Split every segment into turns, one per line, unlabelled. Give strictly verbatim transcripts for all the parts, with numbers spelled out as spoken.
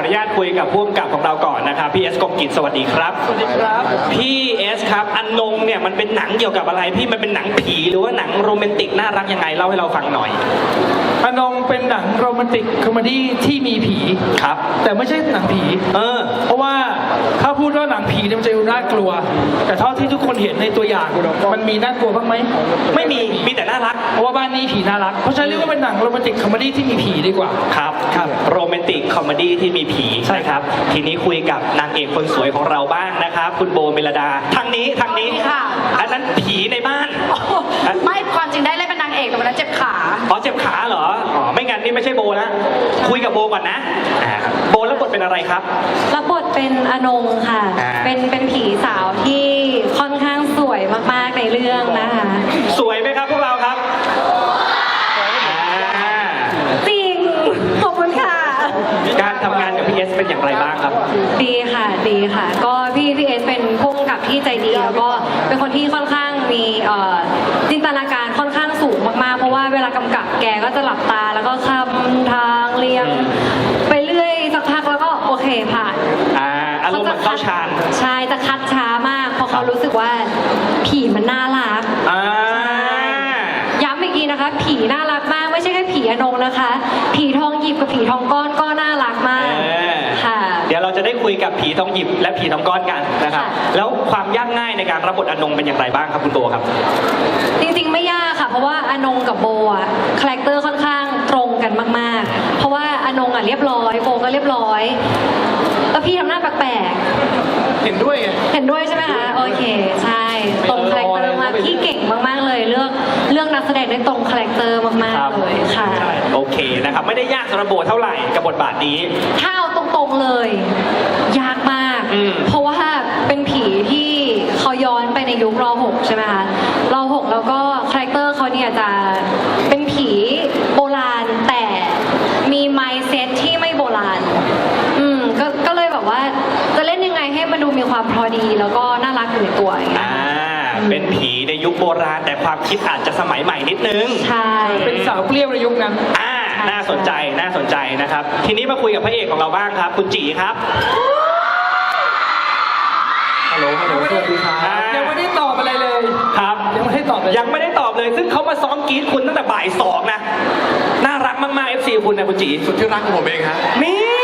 นุญาตคุยกับผู้กำกับของเราก่อนนะครับพี่เอสกงกิจสวัสดีครับ
สวัสดีครับ
พี่เอสครับอนงเนี่ยมันเป็นหนังเกี่ยวกับอะไรพี่มันเป็นหนังผีหรือว่าหนังโรแมนติกน่ารักยังไงเล่าให้เราฟังหน่อย
อนงเป็นหนังโรแมนติกคอมเมดี้ที่มีผี
ครับ
แต่ไม่ใช่หนังผี
เออ
เพราะว่าถ้าพูดว่าหนังผีมันจะดูน่ากลัวแต่เท่าที่ทุกคนเห็นในตัวอย่างมันมีน่ากลัวบ้างไหม
ไม่มีมีแต่น่ารัก
เพราะว่าบ้านนี้ผีน่ารักเพราะฉะนั้นเรียกว่าเป็นหนังโรแมนติกคอมเมดี้ที่มีผีดีกว่า
ครับครับโรแมนติกคอมเมดี้ที่มีผีใช่ครับทีนี้คุยกับนางเอกคนสวยของเราบ้างนะครับคุณโบเมลดาทางนี้ทางนี้
ค่ะ
อันนั้นผีในบ้าน
ไม่ความจริงได้เล่นเป็นนางเอกแต่วันนั้นเจ็บขา
อ๋อเจ็บขาเหรออ๋อไม่งั้นนี่ไม่ใช่โบนะคุยกับโบก่อนนะโบแล้วบทเป็นอะไรครับ
รับบทเป็นอนงค่ะเป็นเป็นผีสาวที่ค่อนข้างสวยมากๆในเรื่องนะคะ
สวยไหมครับพวกเราครับ
จริงขอบคุณค่ะ
การทำงานกับพี่เอสเป็นอย่างไรบ้างครับ
ดีค่ะดีค่ะก็พี่พี่เอสเป็นผู้กำกับที่ใจดีแล้วก็เป็นคนที่ค่อนข้างมีจินตนาการค่อนข้างสูงมากๆเพราะว่าเวลากำกับแกก็จะหลับตาแล้วก็คำทางเรียงไปเรื่อยสักพักแล้วก็โอเคผ่าน
อ่าอารมณ์มันเข้าฌาน
ใช่จะคัดช้ามากเพราะเขารู้สึกว่าผีมันน่ารัก
อ่า
ย้ำอีกทีนะคะผีน่ารักมากไม่ใช่แค่ผีอนงนะคะผีทองหยิบกับผีทองก้อนก็น่ารักมากค่ะ
เดี๋ยวเราจะได้คุยกับผีทองหยิบและผีทองก้อนกันนะครับแล้วความยากง่ายในการรับบทอนงเป็นอย่างไรบ้างครับคุณโบครับ
จริงๆไม่ยากค่ะเพราะว่าอนงกับโบอ่ะคาแรคเตอร์ค่อนข้างตรงกันมากๆเพราะว่าอนงอ่ะเรียบร้อยโบก็เรียบร้อยแล้วพี่ทำหน้าแปลก
ๆเห็นด้วยไง
เห็นด้วยใช่ไหมคะโอเคใช่ตรงคาแรคเตอร์มากพี่เก่งมากๆเลยเลือกเรื่องนักแสดงได้ตรงคาแรคเตอร์มากๆเลยค่ะ
โอเคนะครับไม่ได้ยากสำหรับโบเท่าไหร่กับบทบาทนี้
ถ้าเอาตรงๆเลยยากมากเพราะว่าเป็นผีที่เขาย้อนไปในยุคร.หกใช่ไหมคะร.หกแล้วก็คาแรคเตอร์เขาเนี่ยจะเป็นผีโบราณแต่มีไมซ์เซตที่ไม่โบราณอืมก็ก็เลยแบบว่าจะเล่นยังไงให้มันดูมีความพอดีแล้วก็น่ารักอยู่ในตัวอย่างเงี้ย
เป็นผีในยุคโบราณแต่ความคิดอาจจะสมัยใหม่นิดนึง
ใช่
เป็นสาวเปรี้ยวในยุคนั้น
อ่าน่าสนใจน่าสนใจนะครับทีนี้มาคุยกับพระเอกของเราบ้างครับคุณจีครับ
ฮัลโหลฮัลโหลสวัสดีครับยังไม่ได้ตอบอะไรเลย
ครับ
ยังไม่ได้ตอบเลย
ยังไม่ได้ตอบเลยซึ่งเขามาซ้อมกรี๊ดคุณตั้งแต่บ่ายสองนะน่ารักมากๆ เอฟ ซี คุณนะคุณจี
สุดที่รักของผมเองฮะ
นี่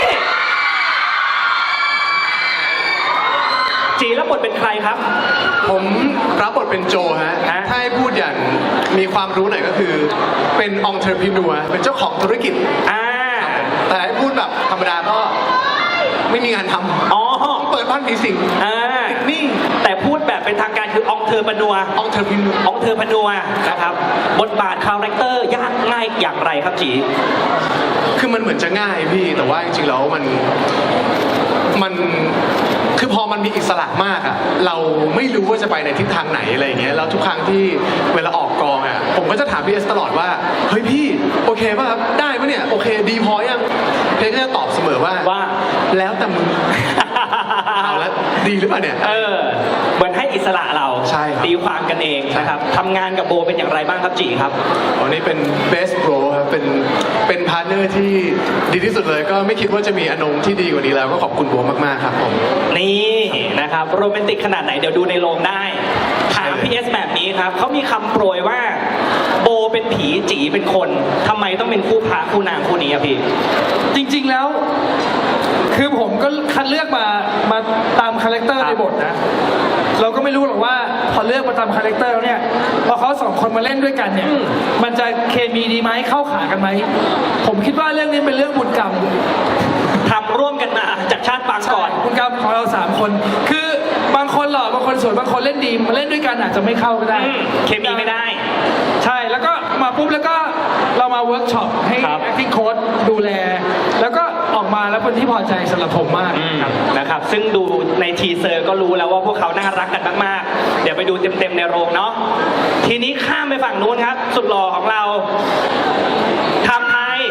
จีแล้วบทเป็นใครครับ
ผมรับบทเป็นโจฮะถ้าให้พูดอย่างมีความรู้หน่อยก็คือเป็นองค์เทอร์พินัวเป็นเจ้าของธุรกิจ
อ่า
แต่ให้พูดแบบธรรมดาก็ไม่มีงานทำ
อ๋อ
เปิดบ้านผีสิง
อ่า
นี่
แต่พูดแบบเป็นทางการคือองค์เทอร์พนัว
องค์เทอร์พินัว
องค์เทอร์พนัวนะครับบทบาทคาแรคเตอร์ยากง่ายอย่างไรครับจี
คือมันเหมือนจะง่ายพี่แต่ว่าจริงๆแล้วมันมันคือพอมันมีอิสระมากอะเราไม่รู้ว่าจะไปในทิศทางไหนอะไรอย่างเงี้ยแล้วทุกครั้งที่เวลาออกกองอะผมก็จะถามพี่เอสตลอดว่าเฮ้ยพี่โอเคป่ะครับได้ปะเนี่ยโอเคดีพอยังพี่ก็จะตอบเสมอว่า
ว่า
แล้วแต่มึงเอาแล้วดีหรือเปล่าเนี่ย
เออเหมือนให้อิสระเรา
ใช่
ตีความกันเองนะครับทำงานกับโบเป็นอย่างไรบ้างครับจีครับ
อ๋อนี่เป็น best bro ครับเป็นเป็นพาร์ทเนอร์ที่ดีที่สุดเลยก็ไม่คิดว่าจะมีอนงที่ดีกว่านี้แล้วก็ขอบคุณโบมากๆครับผม
นี่นะครับโรแมนติกขนาดไหนเดี๋ยวดูในโรงได้ถามพี่เอสแบบนี้ครับเขามีคำโปรยว่าโบเป็นผีจีเป็นคนทำไมต้องเป็นคู่พระคู่นางคู่นี้อะพี่
จริงๆแล้วคือผมก็คัดเลือกมามาตามคาแรคเตอร์ในบทนะเราก็ไม่รู้หรอกว่าพอเลือกมาตามคาแรคเตอร์แล้วเนี่ยพอเขาสองคนมาเล่นด้วยกันเนี่ยมันจะเคมีดีไหมเข้าขากันไหมผมคิดว่าเรื่องนี้เป็นเรื่องบุญกรรม
ทำร่วมกันมาจากชาติปางก่อน
บุญกรรมของเราสามคนคือบางคนหล่อบางคนสวยบางคนเล่นดีมาเล่นด้วยกันอาจจะไม่เข้าก็ได้
เคมีไม่ได้
ใช่แล้วก็มาปุ๊บแล้วก็เรามาเวิร์กช็อปให้ acting coach ดูแลแล้วก็ออกมาแล้วเป็นที่พอใจสำหรับผมมาก
นะครับซึ่งดูในทีเซอร์ก็รู้แล้วว่าพวกเขาน่ารักกันมากๆเดี๋ยวไปดูเต็มๆในโรงเนาะทีนี้ข้ามไปฝั่งนู้นครับสุดหล่อของเราทำไทย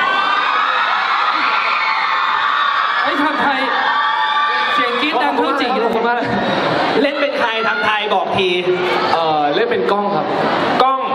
ไอ้ทำไทยเสียงกรี๊ดดังเท่าจริงเลยผมว่า
เล่นเป็นใครทำไทยบอกที
เออเล่นเป็นกล้องครับ
กล้อง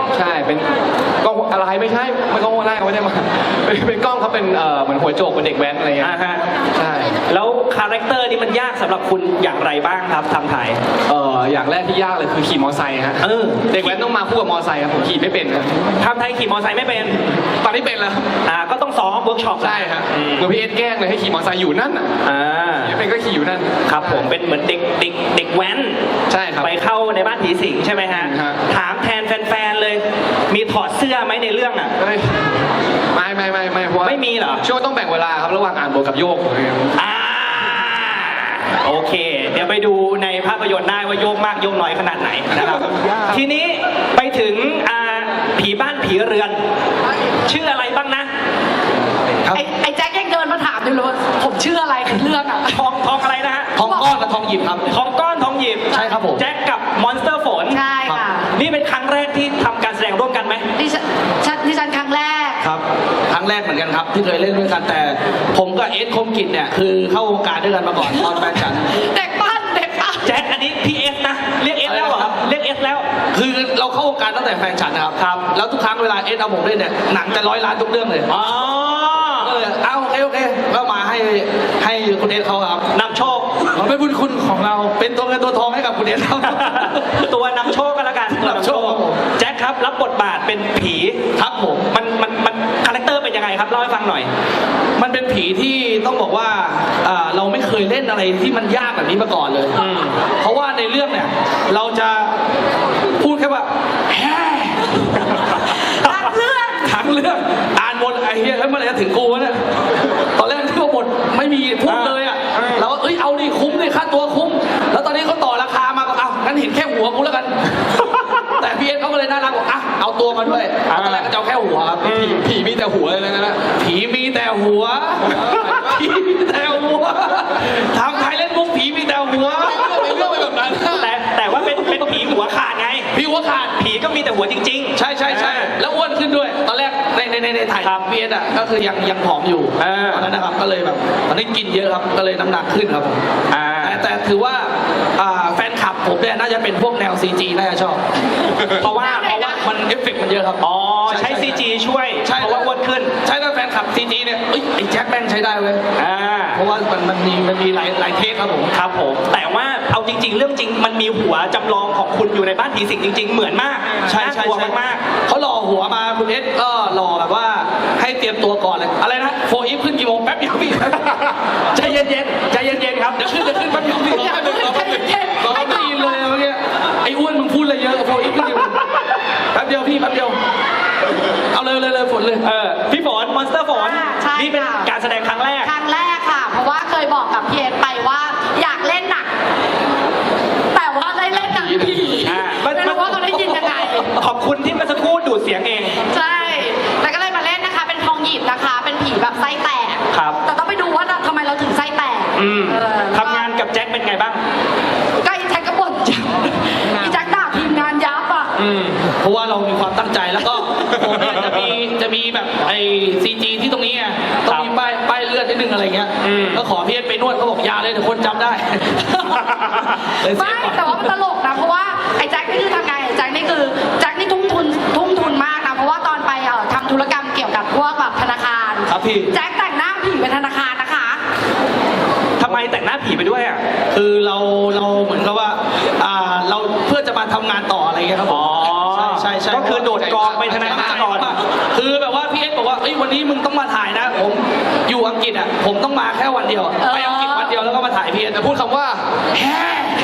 ใช่เป็นกล้องอะไรไม่ใช่ไม่กล้องแรกไม่ได้มาเป็นเป็นกล้องเขาเป็นเอ่อเหมือนหัวโจกเป็นเด็กแว้นอะไรเงี้ย
อ่าฮะ
ใช่
แล้วคาแรคเตอร์นี่มันยากสำหรับคุณอย่างไรบ้างครับทำถ่าย
เอ่ออย่างแรกที่ยากเลยคือขี่มอไซค์ฮะ
เออ
เด็กแว้นต้องมาคู่กับมอไซค์ครับผมขี่ไม่เป็นครับ
ทำไทยขี่มอไซค์ไม่เป็น
ตอนนี้เป็นแล้วครับ
อ่าก็ต้องซ้อมเวิร์กช็อป
ใช่ครับเหมือนพี่เอสแกล้งเลยให้ขี่มอไซค์อยู่นั่นอ่ะ
อ่า
ไม่เป็นก็ขี่อยู่นั่น
ครับผมเป็นเหมือนเด็กเด็กเด็กแว้น
ใช่ครับ
ไปเข้าในบ้านผีสิงใช่ไหมฮะ
ฮะ
ถามแทนแฟนๆเลย มีถอดเสื้อไหมในเรื่องอ่ะ
เฮ้ยไม่ไม่ไม่ไม่เพราะว่า
ไม่มีเหรอ
ช่วงต้องแบ่งเวลาครับระหว่างอ่านบทกับโยก
อ่าโอเค เดี๋ยวไปดูในภาพยนตร์ได้ว่าโยกมากโยกน้อยขนาดไหนนะครับ ทีนี้ไปถึงอ่าผีบ้านผีเรือน ชื่ออะไรบ้างนะ
ไอ้ไอ้แจ็คยังเดินมาถามอยู่เลยว่าผมชื่ออะไรในเรื่องอ่ะ
ทองทองอะไรนะฮะ
ทองก้อนกับทองหยิบครับ
ทองก้อนทองหยิบ
ใช่ครับผม
แจ็คกับมอนสเตอร์ฝน
ใช่ค่ะ
นี่เป็นครั้งแรกที่ทำการแสดงร่วมกันไหม
ดิฉันฉันดิฉันครั้งแรก
ครับครั้งแรกเหมือนกันครับที่เคยเล่นด้วยกันแต่ผมกับเอสคมกิจเนี่ยคือเข้าวงการด้วยกันมาก่อนตอนแฟนฉัน
เด็กปั้นเด็กปั้น
แจ็คอันนี้พีเอสนะ เรียกเอสแล้วเหรอครับ เรียกเอสแล้ว
คือเราเข้าวงการตั้งแต่แฟนฉันนะครับ
ครับ
แล้วทุกครั้งเวลาเอสเอาผมเล่นเนี่ยหนังจะร้อยล้านทุกเรื่องเลย
อ๋อ
ก็เลยเอาโอเคโอเคก็มาให้ให้คุณเอสเขาครับ
นำโชค
มันเป็นบุญคุณของเราเป็นตัวเงินตัวทองให้กับคุณเอสครับ
ตัวนำโชคก็แล้วกันตัวนำโชค
นำโชคครับผม
แจ็คครับรับบทบาทเป็นผี
ครับผม
มันมันมันคาแรคเตอร์เป็นยังไงครับเล่าให้ฟังหน่อย
มันเป็นผีที่ต้องบอกว่าอ่าเราไม่เคยเล่นอะไรที่มันยากแบบนี้มาก่อนเลย
อืม
เพราะว่าในเรื่องเนี่ยเราจะพูดแค่ว่าแฮ่
ทั้งเรื่อง
ทั้งเรื่องอ่านบทไอ้เหี้ยแล้วเมื่อไหร่จะถึงกูวะเนี่ยตอนแรกที่ว่าบทไม่มีพูดเลยอ่ะ
อ่า
เราก็เอ้ยเอาดิคุ้มดิค่าตัวคุ้ม แล้วตอนนี้เขาต่อราคามาก็เอางั้นเห็นแค่หัวกูแล้วกัน แต่พี่เอสเขาก็เลยน่ารักบอกอ่ะเอาตัวมาด้วยเอาตอนแรกก็จะเอาแค่หัวครับ
อืม
ผีมีแต่หัวเลยนะนะ
ผีมีแต่หัว ผีมีแต่หัวทำไทยเล่นมุกผีมีแต่หัว
เป็นเรื่องไปแบบนั้น
แต่แต่ว่าเป็นเป็นผีหัวขาดไง
ผีหัวขาด
ผีก็มีแต่หัวจริงๆ
ใช่ใช่ใช่แล้วอ้วนขึ้นด้วย ตอนแรกในในในในถ่าย
ครับ
พีเอสอ่ะก็คือยังยังผอมอยู่
อ่า
ตอนนั้นนะครับก็เลยแบบตอนนี้กินเยอะครับก็เลยน้ำหนักขึ้นครับผม
อ่า
แต่แต่ถือว่าอ่าแฟนคลับผมเนี่ยน่าจะเป็นพวกแนว ซี จี น่าจะชอบ
เพราะว่า
เพราะว่ามันเอฟเฟกต์มันเยอะครับ
อ๋อใช้ ซี จี ช่วย
ใช่
เพราะว่าอ้วนขึ้น
ใช่ถ้าแฟนคลับ ซี จี เนี่ยเอ้ยไอ้แจ็คแม่งใช้ได้เว้ย
อ่า
เพราะว่ามันมันมีมันมีหลายหลายเทคครับผม
ครับผม แต่ว่าเอาจริง ๆ เรื่องจริงมันมีหัวจำลองของคุณอยู่ในบ้านผีสิงจริง ๆ เหมือนมาก
ใช่
น่า
ใช่
กลัว
ใช่
มาก
เขาหล่อหัวมาคุณเอสก็หล่อแบบว่าให้เตรียมตัวก่อนเลยอะไรนะโฟอีฟขึ้นกี่โมงแป๊บเดียวพี่ ใจเย็นๆใจเย็นๆครับเดี๋ยวขึ้นเดี๋ยวขึ้นแป๊บเดียวพี่
อย่าเพิ่งใจเย็นๆ
เราไม่ได้ยินเลยเมื่อกี้ไอ้อ้วนมึงพูดอะไรเยอะโฟอีฟขึ้นกี่โมงแป๊บเดียวพี่แป๊บเดียวเอาเลยเลยเลยฝนเลย
ๆ เออ พี่ฝนมอนสเตอร์ฝน
อ่าใช่
นี่เป็น
ค่ะ
การแสดงครั้งแรก
ครั้งแรกค่ะ เพราะว่าเคยบอกกับพี่เอสไปว่าอยากเล่นหนัก แต่ว่าได้เล่นหนังผี
อ่า
ไม่รู้ว่าเขาได้ยินยังไง
ขอบคุณที่เมื่อสักครู่ดูดเสียงเอง
ใช่ แล้วก็เลยมาเล่นนะคะ เป็นทองหยิบนะคะ เป็นผีแบบไส้แตก
ครับ
แต่ต้องไปดูว่าทำไมเราถึงไส้แตก
อืม
เออ
ทำงานกับแจ็คเป็นไงบ้าง
ก็อีแจ็คก็บ่นจังอีแจ็คด่าทีมงานยับอ่ะ
อืม
เพราะว่าเรามีความตั้งใจแล้วก็ผมเนี่ยจะมีจะมีแบบไอ้ซีจีที่ตรงนี้ไงต้องมีป้ายป้ายเลือดนิดนึงอะไรเงี้ย
อืม
ก็ขอพี่เอสไปนวดเขาบอกอยาเลยเดี๋ยวคนจำได้ เลยเซ
ไม่
ฟก่อน
แต่ว่ามันตลกนะ เพราะว่าไอ้แจ็คนี่คือทำไงแจ็คนี่คือแจ็คนี่ทุ่มทุนทุ่มทุนมากนะ เพราะว่าตอนไปเอ่อทำธุรกรรมเกี่ยวกับพวกแบบธนาคาร
ครับพี่
แจ็คแต่งหน้าผีเป็นธนาคารนะคะ
ทำไมแต่งหน้าผีไปด้วยอ่ะ
คือเราเราเหมือนกับว่าอ่าเราเพื่อจะมาทำงานต่ออะไรเงี้ยครับผม
อ๋อ
ใช่ใช่ใช่
ก็คือโดดกองไปธนาคารก่อน
คือแบบว่าพี่เอสบอกว่าเอ้ยวันนี้มึงต้องมาถ่ายนะ ผมอยู่อังกฤษอ่ะผมต้องมาแค่วันเดียวอะ
เออ
ไปอังกฤษวันเดียวแล้วก็มาถ่ายพี่เอสแต่พูดคำว่าแฮ่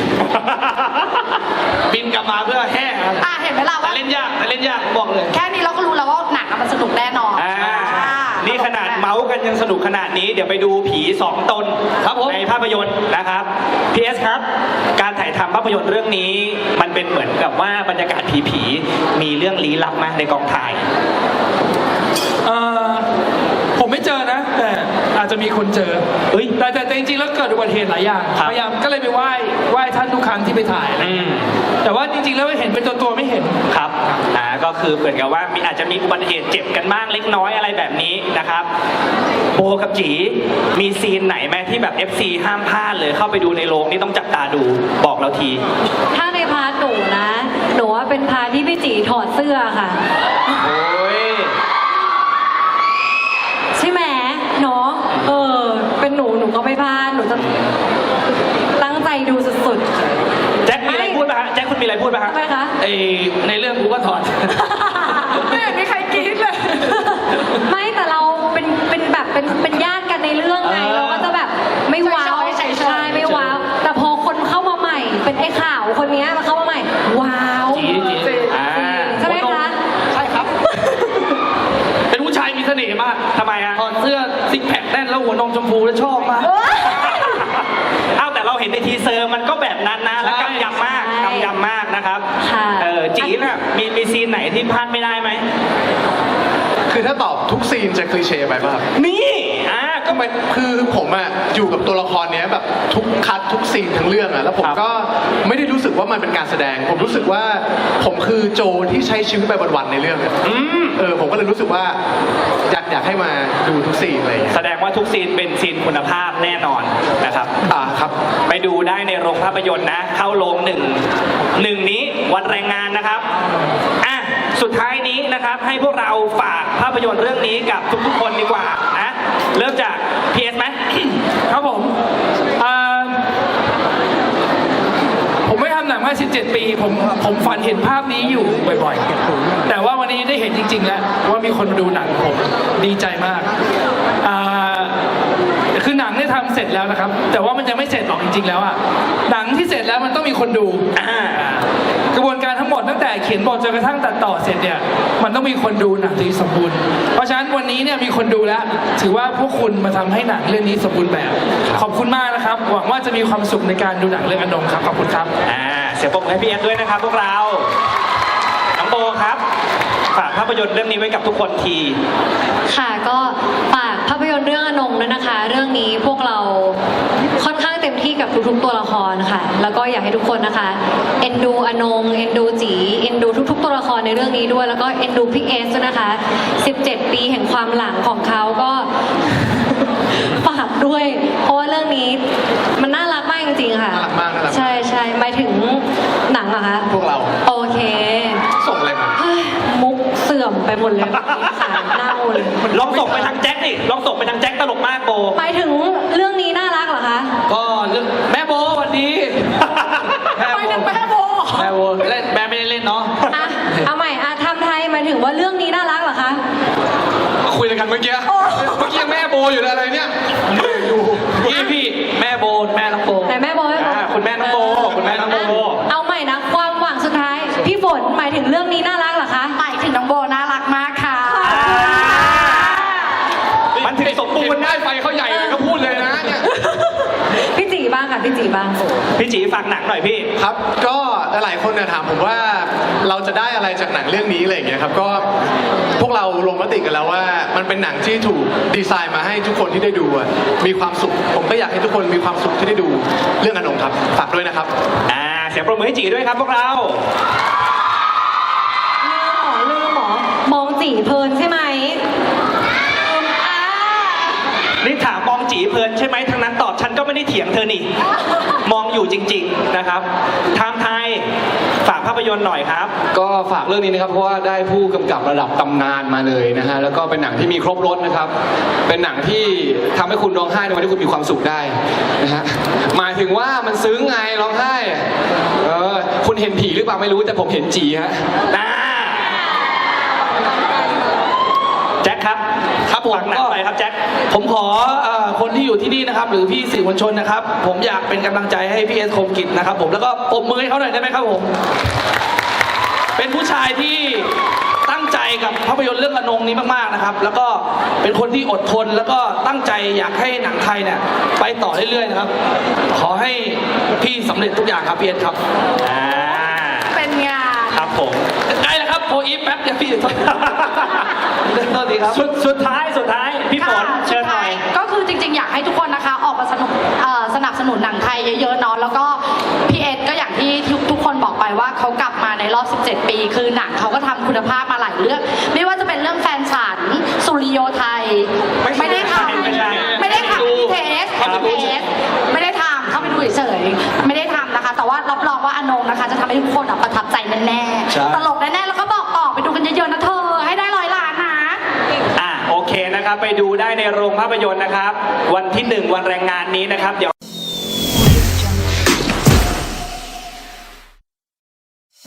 บินกลับมาเพื่อแฮ่
อ่ะเห็นไหมล่ะ
แต่
ว่า
เล่นยากแต่เล่นยากบอกเลย
แค่นี้เราก็รู้แล้วว่าหนังอะมันสนุกแน่นอน
อ่า
อ่า
นี่ขนาดเมาส์กันยังสนุกขนาดนี้ เดี๋ยวไปดูผีสองตน
ครับผม
ในภาพยนตร์นะครับพีเอสครับ การถ่ายทำภาพยนตร์เรื่องนี้ มันเป็นเหมือนกับว่าบรรยากาศผีๆมีเรื่องลี้ลับมากในกองถ่าย
เอ่อผมไม่เจอนะ แต่อาจจะมีคนเจอ
เฮ้ย
แต่แต่แต่จริงๆแล้วเกิดอุบัติเหตุหลายอย่าง
ครับ
พยายามก็เลยไปไหว้ไหว้ท่านทุกครั้งที่ไปถ่ายอะไร
อืม
แต่ว่าจริงๆแล้วเห็นเป็นตัวตัวๆไม่เห็น
ครับ อ่า ก็คือเหมือนกับว่ามีอาจจะมีอุบัติเหตุเจ็บกันบ้างเล็กน้อยอะไรแบบนี้นะครับ โบกับจีมีซีนไหนไหมที่แบบ เอฟ ซี ห้ามพลาดเลยเข้าไปดูในโรงนี่ต้องจับตาดูบอกเราที
ถ้าในพาร์ทหนูนะหนูว่าเป็นพาร์ทที่พี่จีถอดเสื้อค่ะ
โอ้ย
ใช่ไหมเนาะเออ เป็นหนูหนูก็ไม่พลาดหนูจะตั้งใจดูสุด
แจ็คมีอะไรพูดป่ะฮะแจ็คคุณมีอะไรพูดป่ะ
ๆ
ฮะ
ทำไมคะ
ไอในเรื่องกูก็ถอด
ไม่เห็นมีใครกรี๊ดเลย
ไม่แต่เราเป็นเป็นแบบเป็นเป็นญาติกันในเรื่องไง
เออ
เราก็จะแบบไม่ว้าว
เฉยๆเฉยๆ
ใช่ไม่ว้าว แต่พอคนเข้ามาใหม่ เป็นไอ้ข่าวคนเนี้ยมาเข้ามาใหม่ ว้าว
จีจี
อ่า
ใช่ไหมคะ
ใช่ครับ เป็นผู้ชายมีเสน่ห์มาก
ทำไมฮะ
ถอดเสื้อซิกแพคแน่นแล้วหัวนมชมพูแล้วชอบมาก
เอ้าแต่เราเห็นในทีเซอร์มันก็แบบนั้นนะแล้วกำยำมาก
ใช่
กำยำมากนะครับ
ค่ะ
เออจีน่ะมีมีซีนไหนที่พลาดไม่ได้ไหม
คือถ้าตอบทุกซีนจะคลีเช่ไปป่ะครับ
นี่อ่าก็
ก็มันคือผมอะอยู่กับตัวละครเนี้ยแบบทุกคัดทุกซีนทั้งเรื่องอะแล้วผม
ครับ
ก็ไม่ได้รู้สึกว่ามันเป็นการแสดง ผมรู้สึกว่าผมคือโจที่ใช้ชีวิตไปวันๆในเรื่องอะ
อืม
เออผมก็เลยรู้สึกว่าอยากอยากให้มาดูทุกซีนอะไรอย่างเงี้ย
แสดงว่าทุกซีนเป็นซีนคุณภาพแน่นอนนะครับ
อ่าครับ
ไปดูได้ในโรงภาพยนตร์นะ เข้าโรงหนึ่งหนึ่งนี้วันแรงงานนะครับอ่ะสุดท้ายนี้นะครับ ให้พวกเราฝากภาพยนตร์เรื่องนี้กับทุกๆคนดีกว่านะเริ่มจาก พี เอส ไหม
ครับผมอ่าผมไม่ทำหนังมาสิบเจ็ดปี ผมผมฝันเห็นภาพนี้อยู่บ่อยๆ แต่ว่าวันนี้ได้เห็นจริง ๆ แล้วว่ามีคนดูหนังผมดีใจมากอ่าคือหนังได้ทำเสร็จแล้วนะครับ แต่ว่ามันยังไม่เสร็จหรอกจริง ๆ แล้วอ่ะหนังที่เสร็จแล้วมันต้องมีคนดู
อ่า
กระบวนการทั้งหมดตั้งแต่เขียนบทจนกระทั่งตัดต่อเสร็จเนี่ยมันต้องมีคนดูหนังที่สมบูรณ์เพราะฉะนั้นวันนี้เนี่ยมีคนดูแล้ว ถือว่าพวกคุณมาทำให้หนังเรื่องนี้สมบูรณ์แบบ ขอบคุณมากนะครับ หวังว่าจะมีความสุขในการดูหนังเรื่องอนงครับขอบคุณครับ
อ่าเสียงปรบมือให้พี่เอสด้วยนะครับพวกเรา น้องโบครับ ฝากภาพยนตร์เรื่องนี้ไว้กับทุกคนที
ค่ะก็ฝากภาพยนตร์เรื่องอนงด้วยนะคะ เรื่องนี้พวกเราค่อนข้างเต็มที่กับทุกๆตัวละครค่ะ แล้วก็อยากให้ทุกคนนะคะเอ็นดูอนงเอ็นดูจีเอ็นดูทุกๆตัวละครในเรื่องนี้ด้วย แล้วก็เอ็นดูพี่เอสด้วยนะคะสิบเจ็ดปีแห่งความหลังของเขาก็ ฝากด้วย เพราะว่าเรื่องนี้มันน่ารักมากจริงๆค่ะ
น่ารักมากน่ารักมาก
ใช่ใช่หมายถึงหนังเหรอคะ
พวกเรา
โอเค
ส่งอะไรมา
เฮ้ยมุกเสื่อมไปหมดเลยขาเน่าเลย
ลองส่งไปทางแจ็คดิลองส่งไปทางแจ็คตลกมากโบ
หมายถึงเรื่องนี้น่ารักเหรอคะ
ก็เรื่องแม่โบสวัสดี
ไปถึงแม่โบ
แม่โบเล่นแม่ไม่ได้เล่นเนาะ
อ่ะ เอาใหม่อ่ะทำไทยหมายถึงว่าเรื่องนี้น่ารักเหรอคะ
คุยอะไรกันเมื่อกี้เมื่อกี้ยังแม่โบอยู่เลยอะไรเนี่ย
พี่พี่แม่โบแม่น้องโบ
ไหนแม่โบแม่โบ
อ่าคุณแม่น้องโบคุณแม่น้องโบ
อ่ะเอาใหม่นะ ความหวังสุดท้าย พี่ฝนหมายถึงเรื่องนี้น่ารักเหรอคะ
หมายถึงน้องโบน่ารักมากค่ะ
มันถึงสมบูรณ์
ได้
นะ
ไฟเขาใหญ่เลยก็พูดเลยนะเนี่ย
พี่จีบ้างค่ะ พี่จีบ้าง
พี่จีฝากหนังหน่อยพี่
ครับ ก็หลายคนเนี่ยถามผมว่าเราจะได้อะไรจากหนังเรื่องนี้อะไรอย่างเงี้ยครับ ก็พวกเราลงมติกันแล้วว่า มันเป็นหนังที่ถูกดีไซน์มาให้ทุกคนที่ได้ดูอะมีความสุข ผมก็อยากให้ทุกคนมีความสุขที่ได้ดูเรื่องอนงครับ ฝากด้วยนะครับ
อ่า เสียงปรบมือให้จีด้วยครับพวกเรา
ลืมหมอลืมหมอ มองจีเพลินใช่ไหมอ่า
นี่ถามมองจีเพลินใช่ไหมทั้งนั้นตอบฉันก็ไม่ได้เถียงเธอนี่ มองอยู่จริง ๆนะครับไทม์ไทยฝากภาพยนตร์หน่อยครับ
ก็ฝากเรื่องนี้นะครับเพราะว่าได้ผู้กำกับระดับตำนานมาเลยนะฮะแล้วก็เป็นหนังที่มีครบรสนะครับ เป็นหนังที่ทำให้คุณร้องไห้ในวันที่คุณมีความสุขได้นะฮะหมายถึงว่ามันซึ้งไงร้องไห้เออคุณเห็นผีหรือเปล่าไม่รู้แต่ผมเห็นจีฮะ
อ่าแจ็คครับ
ครับผม
ฝากหนัง
ก็
ไปครับแจ็ค
ผมขอเอ่อคนที่อยู่ที่นี่นะครับ หรือพี่สื่อมวลชนนะครับ ผมอยากเป็นกำลังใจให้พี่เอสคมกิจนะครับ ผมแล้วก็ปรบมือให้เขาหน่อยได้ไหมครับผม เป็นผู้ชายที่ตั้งใจกับภาพยนตร์เรื่องอนงนี้มากๆนะครับ แล้วก็เป็นคนที่อดทนแล้วก็ตั้งใจอยากให้หนังไทยเนี่ยไปต่อเรื่อยๆนะครับ ขอให้พี่สำเร็จทุกอย่างครับพี่เอสครับ
อ่า
เป็นงาน
ครับผม
ใกล้แล้วครับโพอีฟแป๊บเดียวพี่โทษโทษทีครับ
สุดสุดท้ายสุดท้ายพี่ฝน
ค่ะ
เชิญหน่อย
ก็คือจริงๆ อยากให้ทุกคนนะคะออกมาสนุกเอ่อสนับสนุนหนังไทยเยอะๆเนาะแล้วก็พี่เอ็ดก็อย่างที่ทุกทุกคนบอกไปว่าเขากลับมาในรอบ สิบเจ็ด ปี คือหนังเขาก็ทำคุณภาพมาหลายเรื่อง ไม่ว่าจะเป็นเรื่องแฟนฉันสุริโยไทย
ไม่ใช่
ได้ทำ
ไม่ใช่
ไม่ได้ทำพี่เทส
ครับ
พี่เทสไม่ได้ทำเข้าไปดูเฉยๆไม่ได้ทำนะคะ แต่ว่าเรารองว่าอนงนะคะ จะทำให้ทุกคนอะประทับใจแน่
ใช่
ๆตลกแน่ๆแล้วก็บอกต่อไปดูกันเยอะๆนะเธอให้ได้ร้อยล้านนะ
อ่ะโอเคนะครับ ไปดูได้ในโรงภาพยนตร์นะครับ วันที่หนึ่งวันแรงงานนี้นะครับเดี๋ยว